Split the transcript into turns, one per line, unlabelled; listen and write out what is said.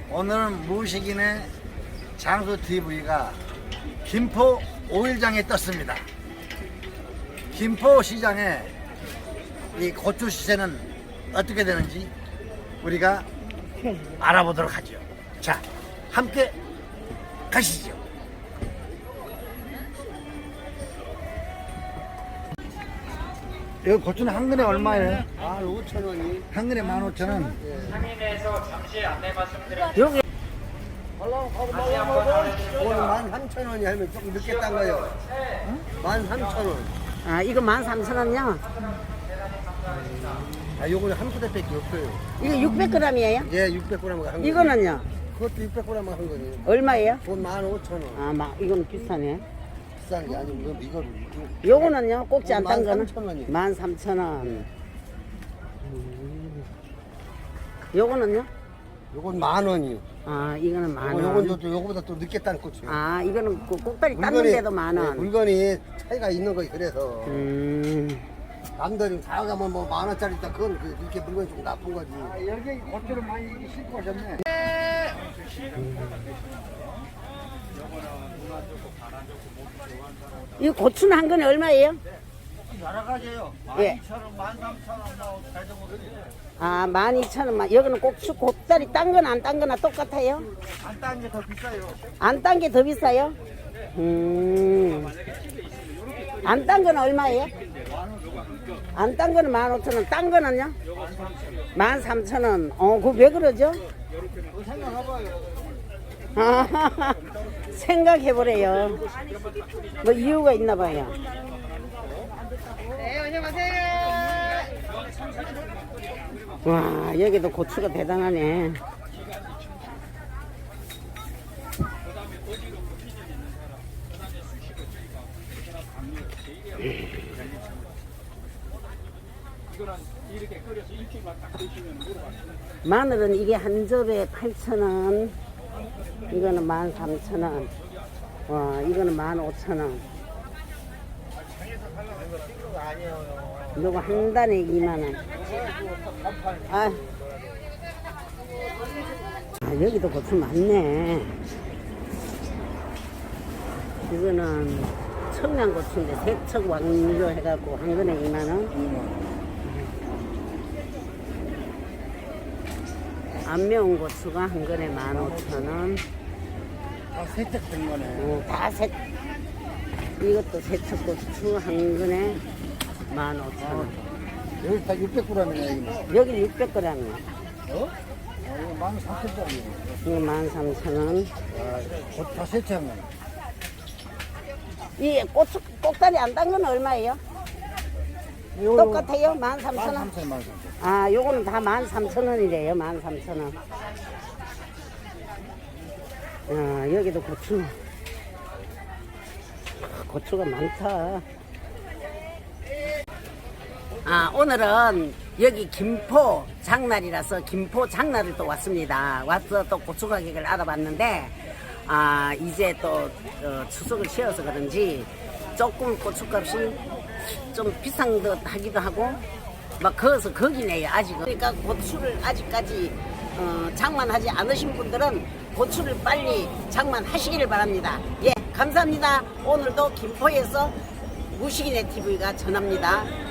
오늘은 무식인의 장수TV가 김포 오일장에 떴습니다. 김포 시장에 이 고추 시세는 어떻게 되는지 우리가 알아보도록 하죠. 자, 함께 가시죠. 이거 고추는 한 근에 얼마예요?
15,000원이.
한 근에 15,000원.
상인에서 잠시 안내 말씀드립니다.
여기
오늘
13,000원이 하면 조금 늦게 딴 거예요. 13,000원.
아, 이거 13,000원이요?
아, 요거는 한 부대밖에 없어요.
이거 600g이에요?
예, 600g 한 거.
이거는요?
그것도 600g 한 거예요.
얼마예요?
돈 15,000원.
아, 이거는 비싸네.
비싼 게 아니고 이거를.
요거는요? 꼭지 안 딴 거는?
13,000원이요.
13,000원. 요거는요?
요건 10,000원이요.
아, 이거는
요건
10,000원.
또 요거보다 또 늦게 딴 꽃이요.
아, 이거는 그 꼭다리 땄는데도 10,000원.
물건이 차이가 있는 거예요. 그래서 남들이 사가면 뭐 10,000원짜리 있다. 그건 이렇게 물건이 좀 나쁜 거지.
여기 고추를 많이 싣고 오셨네.
이 고추는 한 근에 얼마예요?
여러 가지예요.
예.
12,000원, 13,000원, 뭐 대동으로
아, 12,000원. 여기는 꼭다리 딴 거나 안 딴 거나 똑같아요?
안딴 게 더 비싸요.
안 딴 게 더 비싸요? 안 딴 거는 얼마예요? 안 딴 거는 15,000원. 딴 거는요? 13,000원. 그거 왜 그러죠? 아, 생각해보래요. 뭐 이유가 있나 봐요. 네, 안녕하세요. 와, 여기도 고추가 대단하네. 마늘은 이게 한 접에 8,000원. 이거는 13,000원. 와, 이거는 15,000원. 이거 한 단에 2만원. 아, 여기도 고추 많네. 이거는 청양고추인데 세척 완료해갖고 한 근에 2만원. 안 매운 고추가 한 근에 15,000원.
다 세척된 거네.
이것도 세척고추 한 근에 15,000원.
여기 다 600g이네.
여기 600g이요.
이거 13,000원짜리.
이거 13,000원.
고추 다 세척한 거네.
이 고추 꼭다리 안 딴 건 얼마예요? 똑같아요? 13,000원?
13,000원.
아, 요거는 다 13,000원이래요. 13,000원. 여기도 고추가 많다. 오늘은 여기 김포 장날이라서 김포 장날을 또 왔습니다. 와서 또 고추 가격을 알아봤는데, 이제 또 추석을 쉬어서 그런지 조금 고추값이 좀 비싼 듯 하기도 하고, 막 거기서 거기네요, 아직은. 그러니까 고추를 아직까지 장만하지 않으신 분들은 고추를 빨리 장만하시기를 바랍니다. 예, 감사합니다. 오늘도 김포에서 무식인의 TV가 전합니다.